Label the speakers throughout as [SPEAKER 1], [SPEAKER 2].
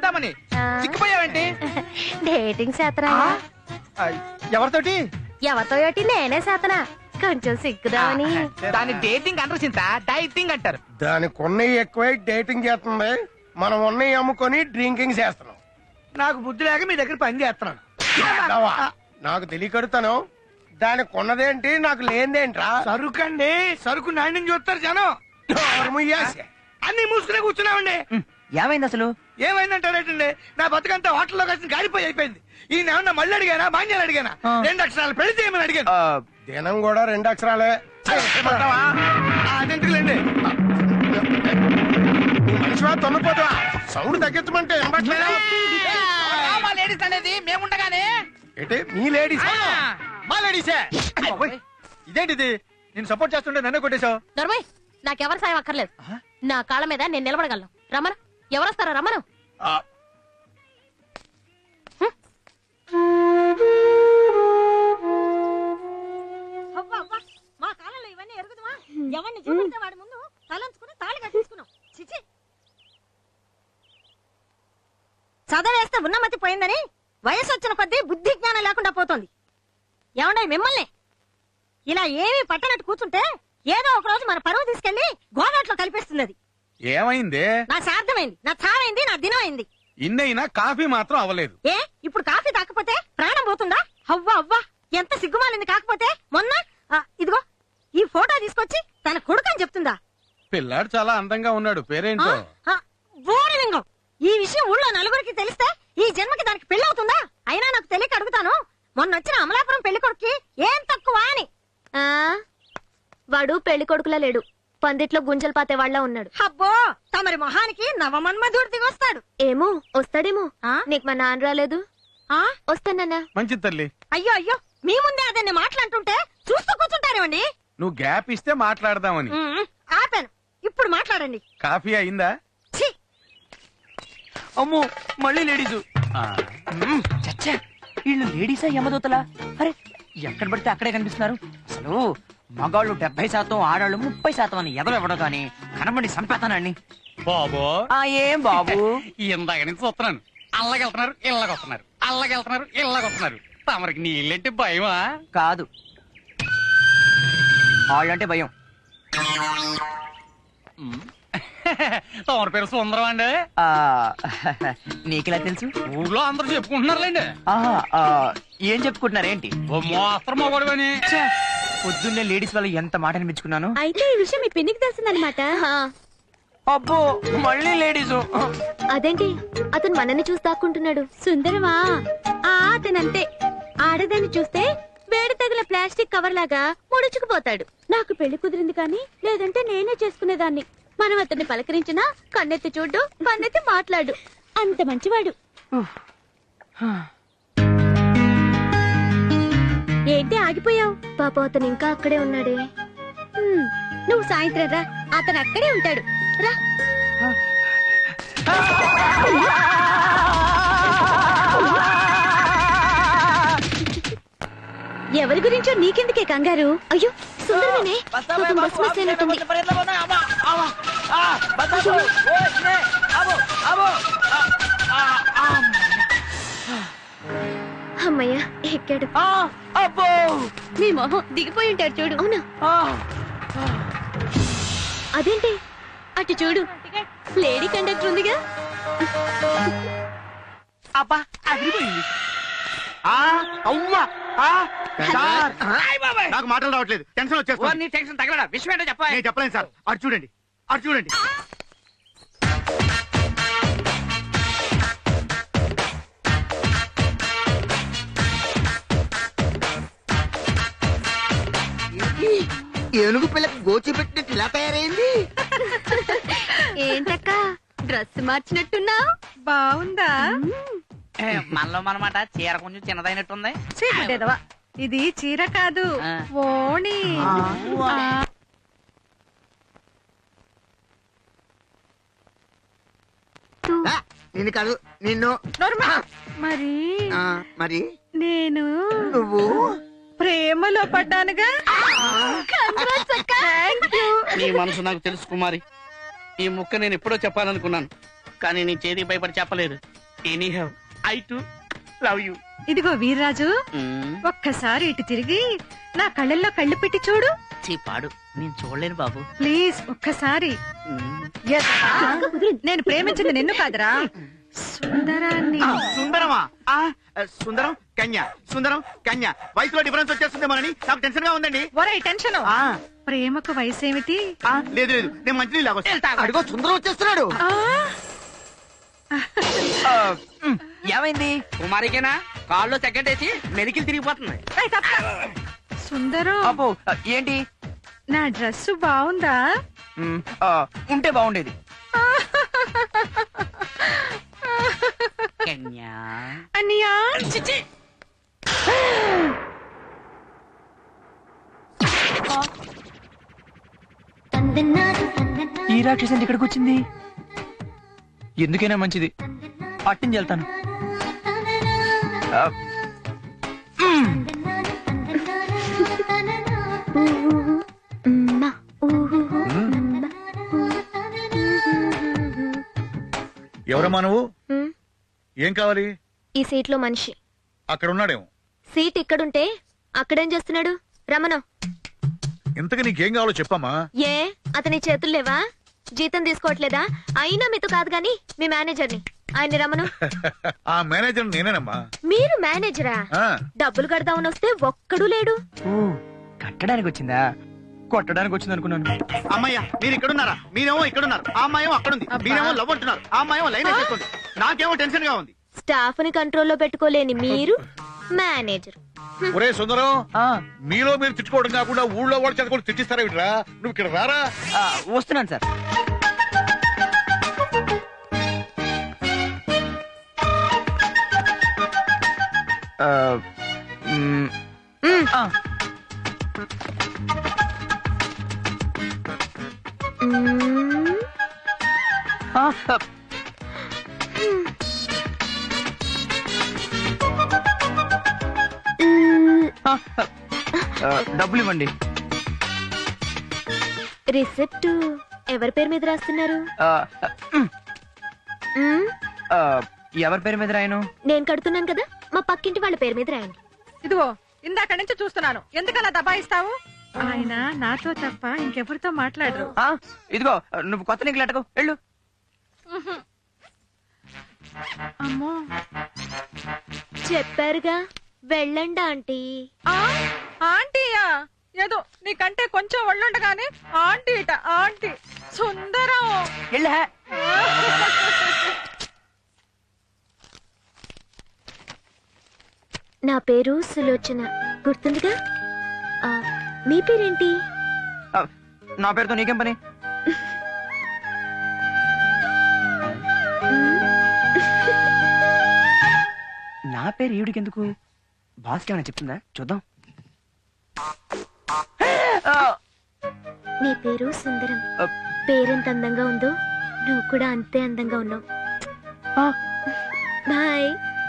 [SPEAKER 1] Chintamani చిక్కిపోయావేంటి?
[SPEAKER 2] Dating చేతనా?
[SPEAKER 1] ఎవరితోటి?
[SPEAKER 2] ఎవరితో ఏటి నేనే చేతనా, కొంచెం సిగ్గుదామని.
[SPEAKER 1] దాని డేటింగ్ అంటారు చింత, డైటింగ్ అంటారు.
[SPEAKER 3] దానికి ఉన్నవి ఎక్కువై డేటింగ్ చేస్తుంది, మనం ఉన్నవి అమ్ముకొని డ్రింకింగ్ చేస్తున్నాం.
[SPEAKER 1] నాకు బుద్ధి లేక మీ దగ్గర పని చేస్తున్నాను.
[SPEAKER 3] నాకు తెలియకడుతాను, దానికి ఉన్నదేంటి నాకు లేనిదేంట్రా?
[SPEAKER 1] సరుకండి, సరుకు నాణ్యం చూస్తారు జనం. అన్ని మూసుకునే కూర్చున్నామండి.
[SPEAKER 4] ఏమైంది అసలు?
[SPEAKER 1] ఏమైందంటారేటండి, నా బతుకంతా హోటల్లో కలిసి గాలిపోయి అయిపోయింది. ఈయన ఏమన్నా మళ్ళీ అడిగానా, మాన్యాలు అడిగానా? 2 అక్షరాలు పెళ్లి చేయమని అడిగాను.
[SPEAKER 3] దినం కూడా 2 అక్షరాలే.
[SPEAKER 1] అదెందుకులేండి,
[SPEAKER 3] మనిషివా తొమ్మిపోతావా? సౌండ్ తగ్గించమంటే
[SPEAKER 1] మా లేడీస్ అనేది మేముండగానే.
[SPEAKER 3] ఏంటి మీ లేడీస్?
[SPEAKER 1] మా లేడీసే. ఇదేంటిది, నేను సపోర్ట్ చేస్తుంటే నన్నే కొట్టేశావు.
[SPEAKER 2] నర్మయ్, నాకెవరి సాయం అక్కర్లేదు. నా కాళ్ళ మీద నేను నిలబడగలను. రమ్మను, ఎవరొస్తారా? రమ్మను.
[SPEAKER 5] మా కాలంలో ఇవన్నీ ఎరుగుదమా? ఎవరిని చూపిస్తే వాడి ముందు తలంచుకుని తాళి కట్టించుకున్నాం. చిచి, చదవేస్తే ఉన్నమతి పోయిందని వయసు వచ్చిన కొద్దీ బుద్ధి జ్ఞానం లేకుండా పోతుంది. ఏమండే మిమ్మల్ని ఇలా ఏమీ పట్టనట్టు కూర్చుంటే ఏదో ఒక రోజు మన పరువు తీసుకెళ్లి గోదాట్లో కలిపేస్తుంది. అది
[SPEAKER 6] ఏమైంది?
[SPEAKER 5] నా సార్థమైంది, నా చావైంది, నా దినం అయింది.
[SPEAKER 6] ఇన్నైనా కాఫీ మాత్రం అవ్వలేదు.
[SPEAKER 5] ఏ ఇప్పుడు కాఫీ తాకపోతే ప్రాణం పోతుందా? అవ్వా అవ్వా, ఎంత సిగ్గుమాలింది. కాకపోతే మొన్న ఇదిగో ఈ ఫోటో తీసుకొచ్చి తన కొడుకని చెప్తుందా?
[SPEAKER 6] పిల్లాడు చాలా అందంగా ఉన్నాడు, పేరేంటో?
[SPEAKER 5] బోడిలింగం. ఈ విషయం ఊళ్ళో నలుగురికి తెలిస్తే ఈ జన్మకి దానికి పెళ్లి అవుతుందా? అయినా నాకు తెలియక అడుగుతాను, మొన్న వచ్చిన అమలాపురం పెళ్లి కొడుక్కి ఏం తక్కువ అని.
[SPEAKER 2] వాడు పెళ్లి కొడుకులా లేడు, పందిట్లో గుంజలు పాతే వాళ్ళ ఉన్నాడు.
[SPEAKER 5] అబ్బో, తమరి మొహానికి నవమన్మధుడు దిగొస్తాడు.
[SPEAKER 2] ఏమో, వస్తాడేమో. నీకు మా నాన్న రాలేదు? వస్తానన్నా.
[SPEAKER 6] మంచి తల్లి.
[SPEAKER 5] అయ్యో అయ్యో, మీ ముందే అదన్ని మాట్లాడుతుంటే చూస్తూ కూర్చుంటారేమండి.
[SPEAKER 6] నువ్వు గ్యాప్ ఇస్తే మాట్లాడదామని.
[SPEAKER 5] ఆపాను, ఇప్పుడు మాట్లాడండి.
[SPEAKER 6] కాఫీ అయిందా?
[SPEAKER 4] అమ్మో, మళ్ళీ లేడీసు. చచ్చా, వీళ్ళు లేడీసా యమదూతలా? అరే, ఎక్కడ పడితే అక్కడే కనిపిస్తున్నారు. అసలు మగాళ్ళు 70%, ఆడాళ్ళు 30% అని ఎదవెవడో గాని కనబడి సంపేతానండి.
[SPEAKER 6] బాబు
[SPEAKER 4] ఏం బాబు?
[SPEAKER 6] ఇందాక నుంచి చూస్తున్నాను, అల్లగెళ్తున్నారు ఇళ్ళగొస్తున్నారు, అల్లగెళ్తున్నారు ఇళ్ళగొస్తున్నారు. తమరికి నీళ్ళంటే భయమా?
[SPEAKER 4] కాదు, వాళ్ళంటే భయం.
[SPEAKER 6] తమరి పేరు సుందరం అండి?
[SPEAKER 4] నీకెలా తెలుసు?
[SPEAKER 6] ఊళ్ళో అందరూ చెప్పుకుంటున్నారులేండి.
[SPEAKER 4] ఏం చెప్పుకుంటున్నారేంటి?
[SPEAKER 6] ఓ మోస్త్రం మొగడు అని.
[SPEAKER 4] పొద్దున్నే లేడీస్ వాళ్ళు ఎంత మాట అనిపించుకున్నాను.
[SPEAKER 2] అయితే ఈ విషయం మీ పిన్నికి తెలుస్తుందన్నమాట.
[SPEAKER 4] అబ్బో, మళ్ళీ లేడీసు.
[SPEAKER 2] అదేంటి, అతను మనల్ని చూసి దాక్కుంటున్నాడు. సుందరమా? అతనంతే, ఆడదాన్ని చూస్తే వేడి తగిన ప్లాస్టిక్ కవర్ లాగా ముడుచుకుపోతాడు. నాకు పెళ్లి కుదిరింది కానీ లేదంటే నేనే చేసుకునేదాన్ని. మనం అతన్ని పలకరించినా కన్నెత్తి చూడు, పన్నెత్తి మాట్లాడు, అంత మంచివాడు. ఏంటి ఆగిపోయావు? పాప, అతను ఇంకా అక్కడే ఉన్నాడే. నువ్వు సాయంత్రం రా, అతను అక్కడే ఉంటాడు. రా. ఎవరి గురించో నీకెందుకే కంగారు? అయ్యో, సుందరమేనే, పాపం బస్ మిస్ అయినట్టుంది. అమ్మయ్య, ఎక్కాడు. మీ మొహం దిగిపోయి ఉంటాడు చూడు. అవునా? అదేంటి, అటు చూడు, లేడీ కండక్టర్ ఉందిగా.
[SPEAKER 4] అబ్బా, అదిరిపోయింది.
[SPEAKER 3] నాకు మాటలు రావట్లేదు, టెన్షన్ వచ్చేస్తుంది.
[SPEAKER 1] టెన్షన్ తగలడా? విషయం ఏంటో చెప్పా.
[SPEAKER 3] నేను చెప్పలేను సార్. అటు చూడండి, అటు చూడండి.
[SPEAKER 7] ఏనుగు పిల్లకు గోచి పెట్టినట్టు ఇలా తయారైంది.
[SPEAKER 2] ఏంటక్క, డ్రెస్ మార్చినట్టున్నా?
[SPEAKER 5] బాగుందా?
[SPEAKER 4] మనలో మనమాట చీర కొంచెం చిన్నదైనట్టుంది.
[SPEAKER 5] ఇది చీర కాదు, ఓణి.
[SPEAKER 7] నిన్ను కాదు, నిన్ను.
[SPEAKER 5] మరి
[SPEAKER 7] మరి
[SPEAKER 5] నేను
[SPEAKER 7] నువ్వు
[SPEAKER 5] ప్రేమలో పడ్డానుగా.
[SPEAKER 1] నీ మనసు నాకు తెలుసు కుమారి. ఈ ముక్క నేను ఎప్పుడో చెప్పాలనుకున్నాను, కానీ నీ చేతికి భయపడి చెప్పలేదు.
[SPEAKER 6] Anyhow I too love you.
[SPEAKER 5] ఇదిగో వీర్రాజు, ఒక్కసారి ఇటు తిరిగి నా కళ్ళల్లో కళ్ళు పెట్టి చూడు.
[SPEAKER 6] పాడు, నేను చూడలేను బాబు.
[SPEAKER 5] ప్లీజ్ ఒక్కసారి. నేను ప్రేమించింది నిన్ను కాదురా, సుందరాన్ని.
[SPEAKER 7] సుందరమా? సుందరం కన్య, సుందరం కన్య. వయసులో డిఫరెన్స్ వచ్చేస్తుందేమోనని నాకు టెన్షన్ గా ఉందండి.
[SPEAKER 5] ఒరే టెన్షన్, ప్రేమకు వయసేమిటి?
[SPEAKER 7] లేదు లేదు, నేను మంచి అడుగో సుందరం వచ్చేస్తున్నాడు.
[SPEAKER 4] ఏమైంది?
[SPEAKER 6] కుమారికేనా కాల్లో సెకండ్ వేసి మెలికలు తిరిగిపోతుంది.
[SPEAKER 5] సుందరం,
[SPEAKER 4] అబ్బో ఏంటి?
[SPEAKER 5] నా డ్రెస్ బాగుందా?
[SPEAKER 4] ఉంటే బాగుండేది.
[SPEAKER 6] కన్యా
[SPEAKER 5] అన్నయ్యా,
[SPEAKER 4] ఈ రాక్షసి ఇక్కడికి వచ్చింది. ఎందుకైనా మంచిది, పట్టించి వెళ్తాను.
[SPEAKER 8] ఎవరమ్మా నువ్వు? ఏం కావాలి?
[SPEAKER 2] ఈ సీట్ లో మనిషి
[SPEAKER 8] అక్కడ ఉన్నాడేమో.
[SPEAKER 2] సీట్ ఇక్కడుంటే అక్కడేం చేస్తున్నాడు? రమణ.
[SPEAKER 8] ఇంతకు నీకేం కావాలో చెప్పమ్మా.
[SPEAKER 2] ఏ అతని చేతులు లేవా? జీతం తీసుకోవట్లేదా? అయినా మీతో కాదు గాని మీ మేనేజర్ని, ఆయన్ని రమను.
[SPEAKER 8] ఆ మేనేజర్ నేనేనమ్మా.
[SPEAKER 2] మీరు మేనేజరా?
[SPEAKER 8] ఆ,
[SPEAKER 2] డబ్బులు కడదామని వస్తే ఒక్కడూ లేడు.
[SPEAKER 4] కట్టడానికి వచ్చిందా? కొట్టడానికి వచ్చింది అనుకున్నాను.
[SPEAKER 7] అమ్మయ్య, మీరు ఇక్కడున్నారా? మీరేమో ఇక్కడున్నారు, ఆ అమ్మాయేమో అక్కడుంది. మీరేమో లవ్ అంటున్నారు, ఆ అమ్మాయేమో లైన్ వేసేస్తుంది. నాకేమో టెన్షన్ గా ఉంది.
[SPEAKER 2] స్టాఫ్ ని కంట్రోల్లో పెట్టుకోలేని మీరు మేనేజర్.
[SPEAKER 8] ఒరే సుందరం, మీలో మీరు తిట్టుకోవడం కాకుండా ఊళ్ళో వాడు చదువుకొని తిట్టిస్తారా వీటిరా? నువ్వు ఇక్కడ రారా.
[SPEAKER 4] వస్తున్నాను సార్. డబ్బులు ఇవ్వండి.
[SPEAKER 2] రిసిప్ట్ ఎవరి పేరు మీద రాస్తున్నారు?
[SPEAKER 4] ఎవరి పేరు మీద రాయను?
[SPEAKER 2] నేను కడుతున్నాను కదా, మా పక్కింటి వాళ్ళ పేరు మీద రాయండి.
[SPEAKER 5] ఇదిగో ఇందాక నుంచి చూస్తున్నాను, ఎందుకలా దబాయిస్తావు? ఆయన నాతో తప్ప ఇంకెవరితో మాట్లాడరు.
[SPEAKER 4] ఇదిగో నువ్వు కొత్త నీకు లెటకు వెళ్ళు.
[SPEAKER 5] అమ్మో,
[SPEAKER 2] చెప్పారుగా వెళ్ళండి ఆంటీ.
[SPEAKER 5] ఆంటీయా? ఏదో నీకంటే కొంచెం ఒళ్ళుండగానే ఆంటీ ఇట ఆంటీ. సుందరం,
[SPEAKER 4] వెళ్ళా.
[SPEAKER 2] నా పేరు సులోచన, గుర్తుందిగా? మీ పేరేంటి?
[SPEAKER 4] నా పేరుతో నీకేం పని? నా పేరు ఈవిడికి ఎందుకు? బాస్కి ఏమైనా చెప్తుందా? చూద్దాం.
[SPEAKER 2] నీ పేరు సుందరం. పేరెంత అందంగా ఉందో నువ్వు కూడా అంతే అందంగా ఉన్నావు. బాయ్.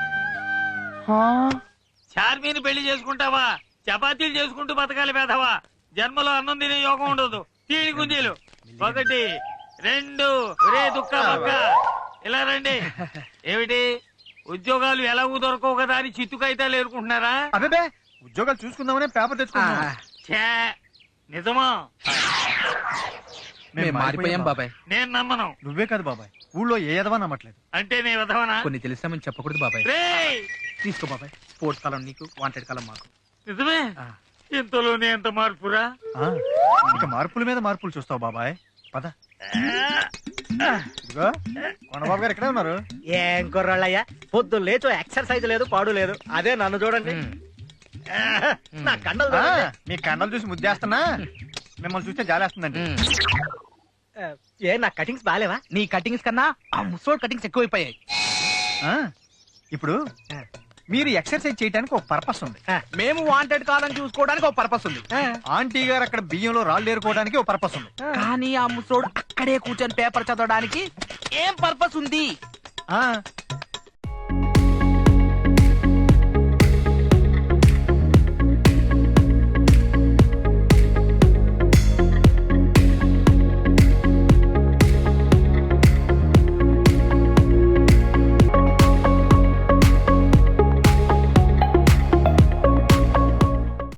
[SPEAKER 9] చార్మీని పెళ్లి చేసుకుంటావా? చపాతీలు చేసుకుంటూ బతకాలి పేదవా? జన్మలో అన్నం తినే యోగం ఉండదు. తీడి గుంజీలు 1 2 రే దుక్క పక్క ఇలా రండి. ఏమిటి ఉద్యోగాలు ఎలాగూ దొరకవు కదా అని చిత్తుకైతే ఏరుకుంటున్నారా?
[SPEAKER 3] అదే ఉద్యోగాలు చూసుకుందామనే పేపర్ తెచ్చుకున్నా.
[SPEAKER 9] నిజమా?
[SPEAKER 6] మారిపోయాం బాబాయ్.
[SPEAKER 9] నేను నమ్మను.
[SPEAKER 3] నువ్వే కాదు బాబాయ్, ఊళ్ళో ఏ ఎదవా నమ్మట్లేదు.
[SPEAKER 9] అంటే నీ విధవనా?
[SPEAKER 6] కొన్ని తెలిసామని చెప్పకూడదు బాబాయ్.
[SPEAKER 9] రేయ్
[SPEAKER 6] తీసుకో బాబాయ్, స్పోర్ట్స్ కాలం నీకు, వాంటెడ్ కాలం మాకు.
[SPEAKER 9] నిజమే? ఇంతలోనే ఎంత మార్పురా?
[SPEAKER 3] ఇక మార్పుల మీద మార్పులు చూస్తావు బాబాయ్. పద. ఇదిగో కొండబాబు గారు ఇక్కడే ఉన్నారు.
[SPEAKER 10] ఏం కుర్రాళ్ళయ్యా, పొద్దు లేచో ఎక్సర్సైజ్ లేదు, పాడు లేదు. అదే నన్ను చూడండి, నా కండలు చూడండి.
[SPEAKER 3] మీ కండలు చూసి ముద్దేస్తున్నా, మిమ్మల్ని చూస్తే జాలేస్తుందండి.
[SPEAKER 10] ఏ నా కటింగ్స్ బాగాలేవా?
[SPEAKER 6] నీ కటింగ్స్ కన్నా ఆ ముసోడ్ కటింగ్స్ ఎక్కువైపోయాయి.
[SPEAKER 3] ఇప్పుడు మీరు ఎక్సర్సైజ్ చేయడానికి ఒక పర్పస్ ఉంది,
[SPEAKER 6] మేము వాంటెడ్ కాలం చూసుకోవడానికి ఒక పర్పస్ ఉంది,
[SPEAKER 3] ఆంటీ గారు అక్కడ బియ్యంలో రాళ్ళు ఏరుకోవడానికి ఒక పర్పస్ ఉంది.
[SPEAKER 6] కానీ ఆ ముసోడు అక్కడే కూర్చొని పేపర్ చదవడానికి ఏం పర్పస్ ఉంది?